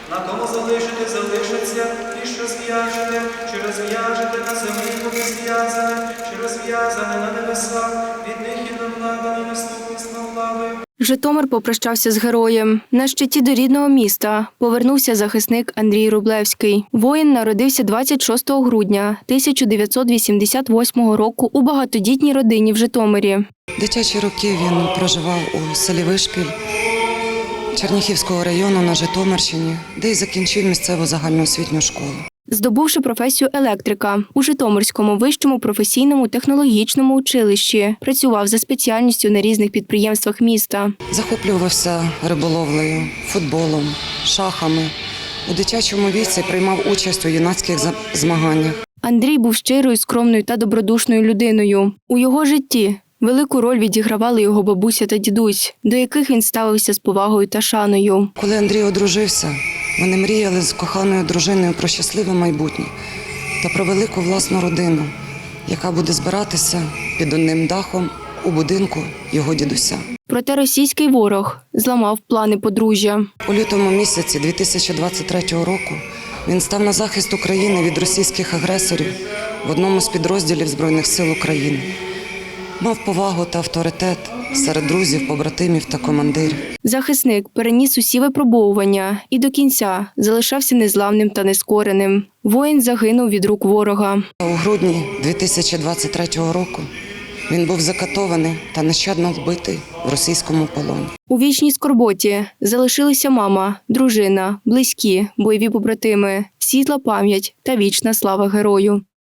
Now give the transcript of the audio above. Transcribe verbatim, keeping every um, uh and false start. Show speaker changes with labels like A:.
A: На тому залишите, залишиться, і що зв'яжете, що розв'яжете на землі буде зв'язане, що розв'язане на небесах, від них і до влади, і наступництва влади.
B: Житомир попрощався з героєм. На щиті до рідного міста повернувся захисник Андрій Рублевський. Воїн народився двадцять шостого грудня тисяча дев'ятсот вісімдесят восьмого року у багатодітній родині в Житомирі.
C: Дитячі роки він проживав у селі Вишпіль Черніхівського району на Житомирщині, де й закінчив місцеву загальноосвітню школу.
B: Здобувши професію електрика, у Житомирському вищому професійному технологічному училищі працював за спеціальністю на різних підприємствах міста.
C: Захоплювався риболовлею, футболом, шахами. У дитячому віці приймав участь у юнацьких змаганнях.
B: Андрій був щирою, скромною та добродушною людиною. У його житті велику роль відігравали його бабуся та дідусь, до яких він ставився з повагою та шаною.
C: Коли Андрій одружився, вони мріяли з коханою дружиною про щасливе майбутнє та про велику власну родину, яка буде збиратися під одним дахом у будинку його дідуся.
B: Проте російський ворог зламав плани подружжя.
C: У лютому місяці дві тисячі двадцять третього року він став на захист України від російських агресорів в одному з підрозділів Збройних сил України. Мав повагу та авторитет серед друзів, побратимів та командирів.
B: Захисник переніс усі випробовування і до кінця залишався незламним та нескореним. Воїн загинув від рук ворога.
C: У грудні дві тисячі двадцять третього року він був закатований та нещадно вбитий в російському полоні.
B: У вічній скорботі залишилися мама, дружина, близькі, бойові побратими, світла пам'ять та вічна слава герою.